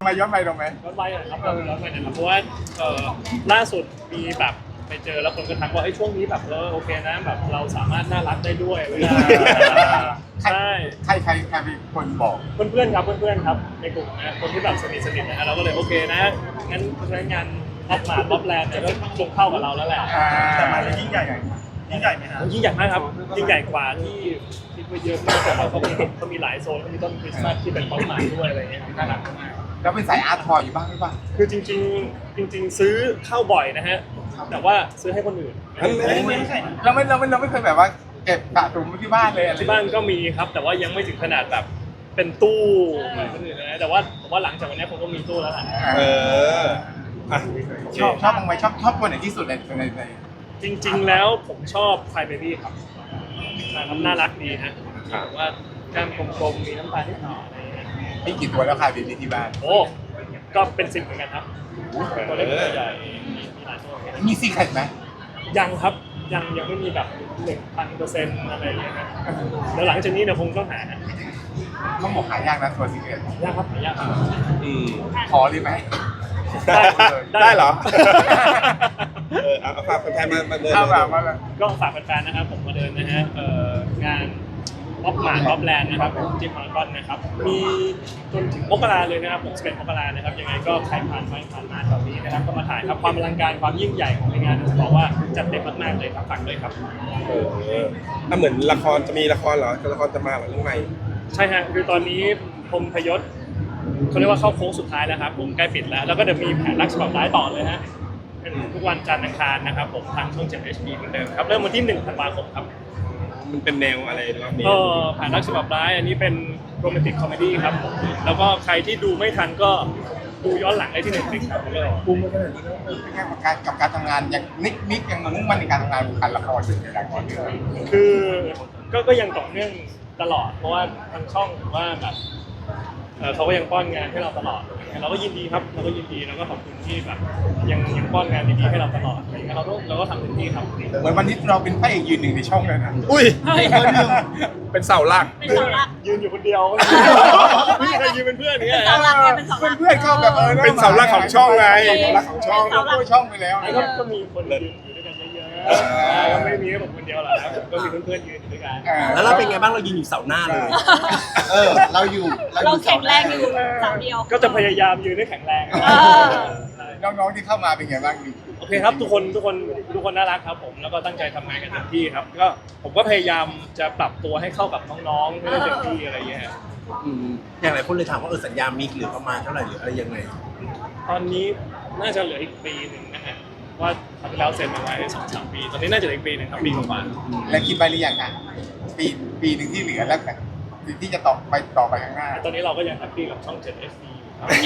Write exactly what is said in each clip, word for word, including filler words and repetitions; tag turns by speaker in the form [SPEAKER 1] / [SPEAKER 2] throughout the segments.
[SPEAKER 1] มาย้อนไปตรงไหม
[SPEAKER 2] ย้อนไปนะครับย้อนไปนะครับเพราะว่าเอ่อล่าสุดมีแบบไปเจอแล้วคนก็ทักว่าไอ้ช่วงนี้แบบเออโอเคนะแบบเราสามารถน่ารักได้ด้วยเวลาใช่
[SPEAKER 1] ใครใครใครเป็นคนบอก
[SPEAKER 2] เพื่อนๆครับเพื่อนๆครับในกลุ่มนะคนที่แบบสนิทสนิทนะฮะเราก็เลยโอเคนะงั้นเพราะฉะนั้นงานออฟมาร์ทออฟแลนด์เนี่ยก็คงเข้ากับเราแล้วแหละ
[SPEAKER 1] แต่มา
[SPEAKER 3] มันยิ่งใหญ่ยิ่งใหญ่ไหมฮะ
[SPEAKER 2] ยิ่งใหญ่มากครับยิ่งใหญ่กว่าที่คิดไว้เยอะมากแต่ว่าเขามีเขามีหลายโซนเขามีต้นคริสต์มาสที่เป็นต้นไม้ด้วยอะไรเงี้ยน่ารักมาก
[SPEAKER 1] แล้วเป็นสายอาร์ตทอยอยู่บ้างหรือเปล่า
[SPEAKER 2] คือจริงๆจริง ๆ ซื้อเข้าบ่อยนะฮะแต่ว่าซื้อให้คนอื่น
[SPEAKER 1] เราไม่เราไม่เราไม่เคยแบบว่าเก็บสะสมไว้ที่บ้านเลยอะไร
[SPEAKER 2] ที่บ้านก็มีครับแต่ว่ายังไม่ถึงขนาดแบบเป็นตู้เหมือนคนอื่นนะแต่ว่าผมว่าหลังจากวันนี้ผมก็มีตู้แล้วแหละ
[SPEAKER 4] เอออ่ะ
[SPEAKER 1] ชอบชอบบ้างไหมชอบชอบตัวไหนที่สุดในในใน
[SPEAKER 2] จริง ๆ แล้วผมชอบไฟเบบี้ครับนะครับน่ารักดีฮะผมว่าแก้มกลมๆมีน้ำตาลนิดหน่อยอะไรอย่างเงี้ย
[SPEAKER 1] มีกี่ตัวแล้วค่ะบีบีที่บ้าน
[SPEAKER 2] โอ้ก็เป็นสิบเหมือนกันครับตัวเล็กตัวใหญ่มีมีหลายตัว
[SPEAKER 1] มีซีเคร็ตไหม
[SPEAKER 2] ยังครับยังยังไม่มีแบบหนึ่งพันเปอร์เซ็นต์อะไรอย่างเงี้ยนะเดี๋ยวหลังจากนี้เนี่ยคงต้องหาฮะ
[SPEAKER 1] ต้องบอกหายากนะตัวซีเคร็ต
[SPEAKER 2] ยากครับหายากครับ
[SPEAKER 4] อืม
[SPEAKER 1] ขอเลยไหม
[SPEAKER 2] ได้
[SPEAKER 4] ได้เหรอ เออเอาเอาฝากแฟนๆมามาเดิน
[SPEAKER 1] เอาแบบว่า
[SPEAKER 2] ก็ฝากแฟนๆนะครับผมมาเดินนะฮะเอ่องานออฟมาร์ทออฟแลนด์นะครับผมที่พารากอนนะครับมีจนถึงมกราเลยนะครับผมสิบเอ็ดมกรานะครับยังไงก็ใครผ่านไปผ่านมาแถวนี้นะครับก็มาถ่ายครับความอลังการความยิ่งใหญ่ของในงานผมบอกว่าจัดเต็มมากๆเลยครับฝากด้วยครับ
[SPEAKER 4] เอออ่ะเหมือนละครจะมีละครเหรอละครจะมาเหรอเรื่องใหม่
[SPEAKER 2] ใช่ฮะคือตอนนี้พรหมพยศเขาเรียกว่าเข้าโค้งสุดท้ายแล้วครับผมใกล้ปิดแล้วแล้วก็จะมีแผนรักฉบับร้ายต่อเลยฮะเป็นทุกวันจันทร์อังคารนะครับผมทางช่อง เจ็ด เอช ดี เหมือนเดิมครับเริ่มวันที่หนึ่งธันวาคมครับ
[SPEAKER 4] มันเป็นแนวอะไรรอบนี้
[SPEAKER 2] ก็แผนรักฉบับร้ายอันนี้เป็นโรแมนติกคอมเมดี้ครับผมแล้วก็ใครที่ดูไม่ทันก็ดูย้อนหลังได้ที่ Netflix ครับผมเลย
[SPEAKER 1] ภูมิขนาดนี้เป็นไงกับการกับการทำงานยังนิกนิกยังมุ่งมั่นในการทำงานวงการละครอยู่ในละครเรื่อง
[SPEAKER 2] คือก็ก็ยังต่อเนื่องตลอดเพราะว่าทางช่องหรือว่าแบบเอ่อเขาก็ยังป้อนงานให้เราตลอดเราก็ยินดีครับเราก็ยินดีแล้วก็ขอบคุณที่แบบยังยังป้อนงานดีๆให้เราตลอดอะไรอย่างเงี้ยเราก็เราก็ทำเต็มที่ครับ
[SPEAKER 1] เหมือนวันนี้เราเป็นพระเอกยืนหนึ่งในช่องเลยนะ
[SPEAKER 4] อุ้ย
[SPEAKER 2] ใช่
[SPEAKER 4] เป็นเสาหลัก
[SPEAKER 5] เป็นเสาหลัก
[SPEAKER 2] ยืนอยู่คนเดียวไม่มีใครยืนเป็นเพื่อนอย่างเงี้ย
[SPEAKER 5] เป็นเสาหลักไงเป็นเสาหลัก
[SPEAKER 1] เพื่อนๆเข้าแบบเออ
[SPEAKER 4] เป็นเสาหลักของช่องไงเสาหลักของช่อง
[SPEAKER 1] เราช่วยช่องไปแล้ว
[SPEAKER 2] แล้วก็ก็มีคนยืนอยู่ด้วยกันเยอะๆก็ไม่มีแค่ผมคนเดียวหรอกครับก็มีเพื่อนๆยืนอยู่ด้วยกัน
[SPEAKER 6] แล้วเราเป็นไงบ้างเรายืนอยู่เสาหน้าเลย
[SPEAKER 1] เออเราอยู่
[SPEAKER 5] เราแข็งแรงอยู่เสาเดียว
[SPEAKER 2] ก็จะพยายามยืนให้แข็งแรง
[SPEAKER 1] น้องๆที่เข้ามาเป็นไงบ้างดี
[SPEAKER 2] โอเคครับทุกคนทุกคนทุกคนน่ารักครับผมแล้วก็ตั้งใจทำงานกันเต็มที่ครับก็ผมก็พยายามจะปรับตัวให้เข้ากับน้องๆให้ได้เต็มที่อะไรอย่างเงี้ย
[SPEAKER 6] อืมอย่างหลายคนเลยถามว่าเออสัญญามิกเหลือประมาณเท่าไหร่หรืออะไรยังไง
[SPEAKER 2] ตอนนี้น่าจะเหลืออีกปีหนึ่งนะฮะว่าทำไปแล้วเซ็นมาไว้สองสามปีตอนนี้น่าจะเหลืออีกปีหนึ่งครับปีกว่า
[SPEAKER 1] และคิดไปหรือยังอ่ะปีปีหนึ่งที่เหลือแล้วกันที่จะต่อไปต่อไปข้างหน้า
[SPEAKER 2] ๆตอนนี้เราก็ยังแฮปปี้กับช่อง เจ็ด เอช ดี อยู่ครับ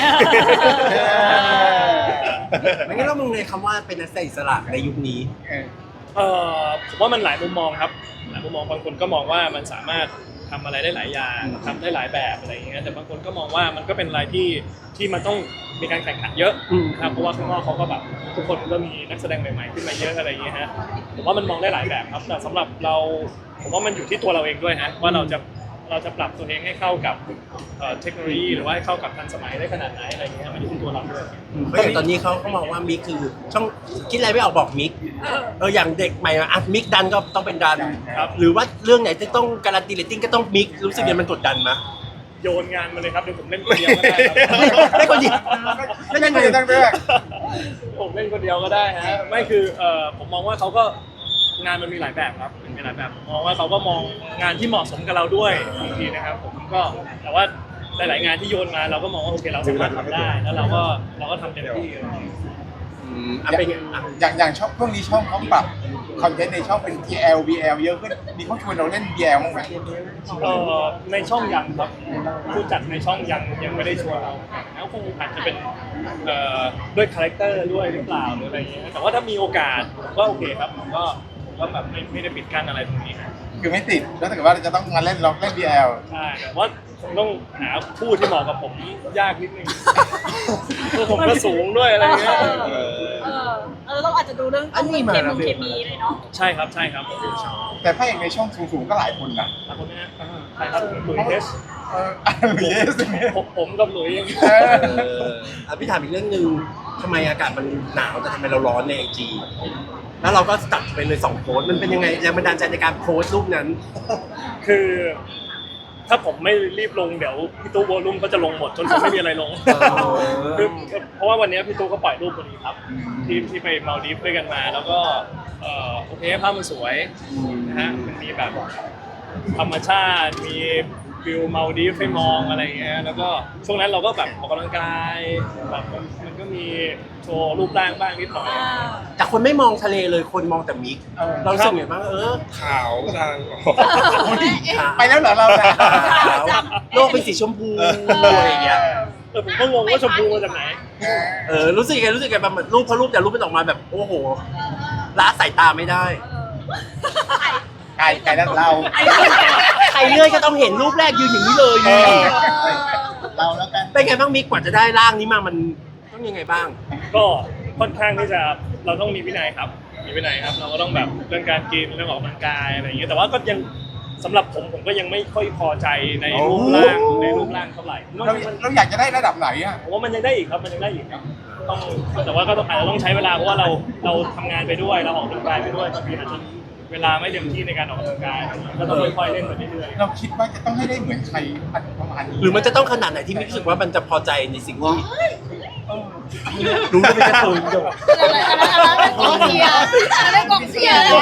[SPEAKER 6] ไม่งั้นเรามองในคำว่าเป็นนักแสดงอิสระในยุคนี้
[SPEAKER 1] เออ
[SPEAKER 2] เอ่อผมว่ามันหลายมุมมองครับหลายมุมมองบางคนก็มองว่ามันสามารถทำอะไรได้หลายอย่างทำได้หลายแบบอะไรอย่างเงี้ยแต่บางคนก็มองว่ามันก็เป็นอะไรที่ที่มันต้องมีการแข่งขันเยอะ
[SPEAKER 6] อืม
[SPEAKER 2] นะครับเพราะว่าข้างนอกเขาก็แบบทุกคนก็มีนักแสดงใหม่ๆขึ้นมาเยอะอะไรอย่างเงี้ยฮะผมว่ามันมองได้หลายแบบครับแต่สำหรับเราผมว่ามันอยู่ที่ตัวเราเองด้วยฮะว่าเราจะเราจะปรับตัวเองให้เข้ากับเอ่อเทคโนโลยีหรือว่าให้เข้ากับทันสมัยได้ขนาดไหนอะไรอย่างเงี้ยมันอยู่ที่ตัวเราด้วย
[SPEAKER 6] เพราะอย่างตอนนี้เขาก็มองว่ามิกคือช่องคิดอะไรไม่ออกบอกมิกเอออย่างเด็กใหม่อ่ะมิกดันก็ต้องเป็นดัน
[SPEAKER 2] ครับ
[SPEAKER 6] หรือว่าเรื่องไหนจะต้องการันตีเรตติ้งก็ต้องมิกรู้สึกยังมันกดดันมั้ย
[SPEAKER 2] โยนงานมาเลยครับเดี๋ยวผมเล่นคนเดียวก็ได้ครับ
[SPEAKER 6] ได้คนเดียว
[SPEAKER 1] ไม่ใช่คนเดียวตั้งแต่แรก
[SPEAKER 2] ผมเล่นคนเดียวก็ได้ฮะไม่คือเอ่อผมมองว่าเขาก็งานมันมีหลายแบบครับมันมีหลายแบบผมมองว่าเขาก็มองงานที่เหมาะสมกับเราด้วยบางทีนะครับผมก็แต่ว่าหลายๆงานที่โยนมาเราก็มองว่าโอเคเราสามารถทำได้แล้วเราก็เราก็ทำเต็มที่อะไรอย่างเงี้ย
[SPEAKER 6] อืมอ่ะเป็นไงอ่ะ
[SPEAKER 1] อย่างอย่างช่องช่วงนี้ช่องเขาปรับคอนเทนต์ในช่องเป็น ที แอล บี แอล เยอะขึ้นมีเขาชวนเราเล่น บี แอล บ้างไหม
[SPEAKER 2] เอ่อในช่องยังครับผู้จัดในช่องยังยังไม่ได้ชวนเราแล้วคงอาจจะเป็นเอ่อด้วยคาแรคเตอร์ด้วยหรือเปล่าหรืออะไรอย่างเงี้ยแต่ว่าถ้ามีโอกาสผมก็โอเคครับผมก็ผมก็แบบไม่ไม่ได้ปิดกั้นอะไรตรงนี้ครับ
[SPEAKER 1] คือไม่ติดแล้วถ้าเกิดว่าเราจะต้องมาเล่นล็อกเล่น บี แอล
[SPEAKER 2] ใช่แต่ว่าคงต้องหาคู่ที่เหมาะกับผมยากนิดนึงคือผมก็สูงด้วยอะไรเงี้ย
[SPEAKER 4] เออ
[SPEAKER 5] เออเออต้องอาจจะดูเรื่องต้องเคมีเคมีเลยเนาะ
[SPEAKER 2] ใช่ครับใช่ครับ
[SPEAKER 1] แต่พระเอกในช่องสูงๆก็หลายคนนะ
[SPEAKER 2] ขอบคุณนะฮะใช่ครับหลุยส์เทส
[SPEAKER 1] เออเยสเนี่ย
[SPEAKER 2] ผมผมกับหลุยส์
[SPEAKER 1] เออ
[SPEAKER 6] เอออ่ะพี่ถามอีกเรื่องหนึ่งทำไมอากาศมันหนาวแต่ทำไมเราร้อนในไอจีแล้วเราก็ตัดไปเลยสองโพสต์มันเป็นยังไงแรงบันดาลใจในการโพสต์รูปนั้น
[SPEAKER 2] คือถ้าผมไม่รีบลงเดี๋ยวพี่ตู้วอลลุ่มก็จะลงหมดจนผมไม่มีอะไรลง คือเพราะว่าวันนี้พี่ตู้ก็ปล่อยรูปพอดีครับที่ที่ไปมาลดีฟด้วยกันมา แล้วก็เอ่อโอเคภาพมันสวยนะฮะมันมีแบบธรรมชาติมีวิวมาลดีฟให้มองอะไรเงี้ยแล้วก็ช่วงนั้นเราก็แบบออกกำลังกายแบบมันมันก็มีโชว์รูปร่างบ้างนิดหน่อย
[SPEAKER 6] แต่คนไม่มองทะเลเลยคนมองแต่มิกเรารู้สึกไงบ้างเออ
[SPEAKER 4] ขาวทาง
[SPEAKER 1] ไปแล้วเหรอเราเนี่ย
[SPEAKER 6] ขาวโลกเป็นสีชมพูอะไรอย่างเงี้ย
[SPEAKER 2] เออผมก็งงว่าชมพูมาจากไหน
[SPEAKER 6] เออรู้สึกยังไงรู้สึกยังไงแบบรูปพอรูปแต่รูปมันออกมาแบบโอ้โหละสายตาไม่ได้
[SPEAKER 1] ไกลไกลแล้วเรา
[SPEAKER 6] ใครเลื่อยก็ต้องเห็นรูปแรกยืนอย่างนี้เลย
[SPEAKER 1] เออเราแล้วกัน
[SPEAKER 6] เป็นไงบ้างมิกกว่าจะได้ร่างนี้มามันต้องยังไงบ้าง
[SPEAKER 2] ก็ค่อนข้างที่จะเราต้องมีวินัยครับ มีวินัยครับ เราก็ต้องแบบเรื่องการกินเรื่องออกกำลังกายอะไรอย่างเงี้ยแต่ว่าก็ยังสำหรับผมผมก็ยังไม่ค่อยพอใจในรูปร่างในรูปร่างเท่าไหร่ผมว่า
[SPEAKER 1] เรา
[SPEAKER 2] มัน
[SPEAKER 1] เราอยากจะได้ระดับไหนอ่ะ
[SPEAKER 2] ผมว่ามันยังได้อีกครับมันยังได้อีกครับต้องแต่ว่าก็ต้องอาจจะต้องใช้เวลาเพราะว่าเราเราทำงานไปด้วยเราออกกำลังกายไปด้วยบางทีอาจจะเวลาไม่เต็มที่ในการออกกำลังกายก็ต้องค่อยๆเล่นไปเรื่อยๆ
[SPEAKER 1] เราคิดว่าจะต้องให้ได้เหมือนใครประมาณนี้
[SPEAKER 6] หรือมันจะต้องขนาดไหนที่มิกรู้สึกว่ามันจะพอใจในสิ่งที่รู้ว่าเป็นกระตุ้นจบ
[SPEAKER 5] อะไรอะไรอะไรเป็นกองเชียร์อะไรเป็นกองเชียร์แล้ว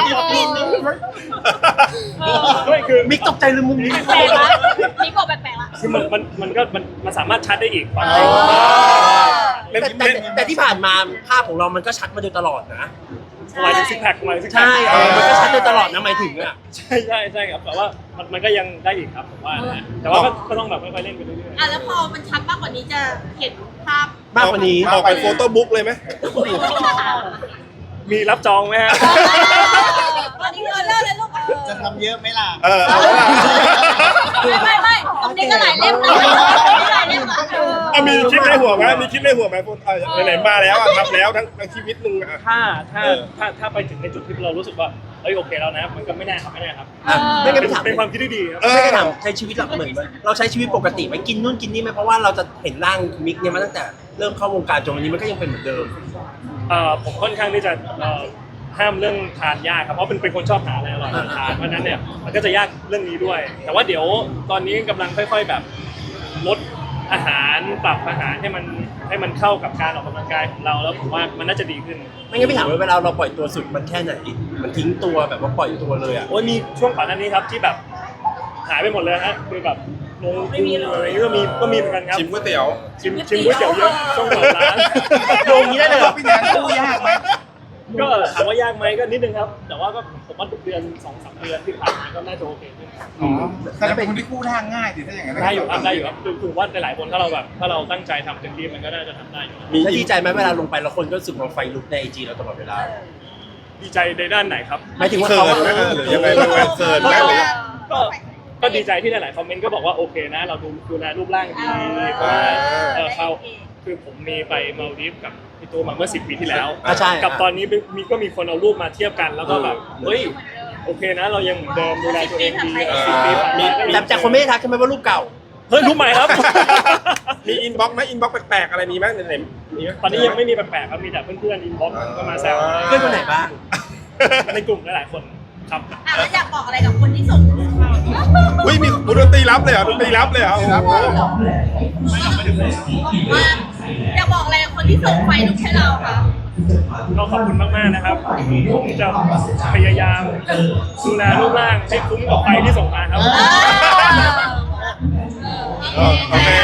[SPEAKER 2] ไม่คือ
[SPEAKER 6] มิกตกใจเลยมุมนี้
[SPEAKER 5] แปลกละนี่บอกแปลกๆละ
[SPEAKER 2] คือมันมันมันก็มันมันสามารถชัดได้อีกความจ
[SPEAKER 1] อ๋
[SPEAKER 2] ริง
[SPEAKER 1] อ
[SPEAKER 6] แต่แต่แต่ที่ผ่านมาภาพของเรามันก็ชัดมาโดยตลอดนะ
[SPEAKER 2] หมายถึงซิกแพคหมายถึงซิกแพค
[SPEAKER 6] ใช่เออมันก็ชัดโดยตลอดนะหมายถึงอ่ะ
[SPEAKER 2] ใช่ใช่ใช่ครับแต่ว่ามันมันก็ยังได้อีกครับผมว่านะแต่ว่าก็ก็ต้องแบบค่อยๆเล่นไปเรื่อย
[SPEAKER 5] อ่ะแล้วพอมันชัดมากกว่านี้จะเห็นภาพ
[SPEAKER 6] มากกว่านี้
[SPEAKER 4] ออกไปโฟโต้บุ๊กเลยไหม
[SPEAKER 2] ๆมีรับจองไหมฮะ
[SPEAKER 5] วันนี้เงินเลิกเลยลูก
[SPEAKER 1] จะทำเยอะไหมล่ะ
[SPEAKER 4] เออเอาละ
[SPEAKER 5] ไม่ไม่ไม่ตรงนี้ก็หลายเล่มนะหลายเล่มนะ
[SPEAKER 4] เอามีคลิปในหัวไหมมีคลิปในหัวไหมพูดเออไหนๆมาแล้วอ่ะทำแล้วทั้งทั้งชีวิตหนึ่งอ่ะ
[SPEAKER 2] ถ้าถ้าถ้าถ้าไปถึงในจุดที่เรารู้สึกว่าเอ้ยโอเคแล้วนะ มันก็ไม่แน่ครับไม่แน่ครับ
[SPEAKER 6] อ่ะไม่งั้นไปถาม
[SPEAKER 2] เป็นความคิดที่ดีครับ
[SPEAKER 4] เออ
[SPEAKER 6] ไม่งั้นถามใช้ชีวิตเราเหมือนเราใช้ชีวิตปกติไหมกินนู่นกินนี่ไหมเพราะว่าเราจะเห็นร่างมิกเนี่ยมาตั้งแต่เริ่มเข้าวงการจนวันนี้มันก็ยังเป็นเหมือนเดิม
[SPEAKER 2] เอ่อผมค่อนข้างที่จะเอ่อห้ามเรื่องทานยากครับเพราะเป็นเป็นคนชอบหาอะไรอร่อยทานเพราะฉะนั้นเนี่ยมันก็จะยากเรื่องนี้ด้วย แต่ว่าเดี๋ยวตอนนี้กำลังค่อย ๆแบบลดอาหารปรับอาหารให้มันให้มันเข้ากับการออกกำลังกายของเราแล้วผมว่ามันน่าจะดีขึ้น
[SPEAKER 6] ไม่งั้นไปถามว่าเวลาเราปล่อยตัวสุดมันแค่ไหนมันทิ้งตัวแบบว่าปล่อยตัวเลยอ่ะ
[SPEAKER 2] โอ้ยมีช่วงก่อนหน้านี้ครับที่แบบหายไปหมดเลยฮะคือแบบลงพุงอะไรอย่างเงี้ยก็มีก็มีเหมือนกันครับ
[SPEAKER 4] ชิมก๋วยเตี๋ยว
[SPEAKER 2] ชิมชิมก๋วยเตี๋ยวเยอะช่วงเปิดร้าน
[SPEAKER 6] โยงอย่างนี้ได้เลยเหรอ
[SPEAKER 1] พี่แดนสู้ยากไหม
[SPEAKER 2] ก็ถามว่ายากไหมก็นิดนึงครับ แต่ว่าก็ผมว่าเดือนสองสามเดือนที่ผ่านมาก็น่าจะโอเคขึ้น
[SPEAKER 1] อ๋อแต่เราเป็นคนที่กู้ทางง่ายสิถ้าอย่างนั้น
[SPEAKER 2] ได้อยู่ครับได้อยู่ครับคือคือว่าหลายๆคนถ้าเราแบบถ้าเราตั้งใจทำเต็มที่มันก็น่าจะทำได้อยู่
[SPEAKER 6] มีดีใจไหมเวลาลงไปแล้วคนก็รู้สึกว่าไฟลุกในไอจีเราตลอดเวลา
[SPEAKER 2] ดีใจในด้านไหนครับ
[SPEAKER 6] หมายถึงว่า
[SPEAKER 4] เขิ
[SPEAKER 6] เขา
[SPEAKER 4] นไหมหรือยังไงรู้ไหมเขินไหมหรือ
[SPEAKER 2] ก็ก็ดีใจที่หลายๆคอมเมนต์ก็บอกว่าโอเคนะ เราดูดูแลรูปร่างดีเพราะว่าเออเขาคือผมมีไปมาลดีฟกับพี่ตูมาเมื่อสิบปีที่แล้ว
[SPEAKER 6] อ่ะใช่
[SPEAKER 2] กับตอนนี้มีก็มีคนเอารูปมาเทียบกันแล้วก็แบบเฮ้ยโอเคนะ เรายังเหมือนเดิมดูแลตัวเองดีสิบปีผ่านมาก็
[SPEAKER 6] แต่แต่คนไม่ได้ทักใช่ไหมว่ารูปเก่า
[SPEAKER 2] เฮ้ยรูปใหม่ครับ
[SPEAKER 4] มีอินบ็อกซ์ไหมอินบ็อกซ์แปลกๆอะไรมีไหมไหนๆมีไหม
[SPEAKER 2] ตอนนี้ยังไม่มีแปลกๆครับมีแต่เพื่อนๆอินบ็อกซ์ก็มาแซว
[SPEAKER 6] เพื่อนคนไหนบ้าง
[SPEAKER 2] ในกลุ่มหลายๆคนครับ
[SPEAKER 5] อ่ะแล้วอยากบอกอะไรกับคนที่ส่ง
[SPEAKER 4] อุ้ยมีดนตรีรับเลยเหรอดนตรีรับเลยเหรอโอ้โห
[SPEAKER 5] ว่าอยากบอกอะไรกับคนที่ส่งไฟลุกให้เราค่ะ
[SPEAKER 2] ก็ขอบคุณมากๆนะครับผมจะพยายามดูแลรูปร่างให้คุ้มกับไฟที่ส่งมาครับ
[SPEAKER 5] เออ
[SPEAKER 4] โอเค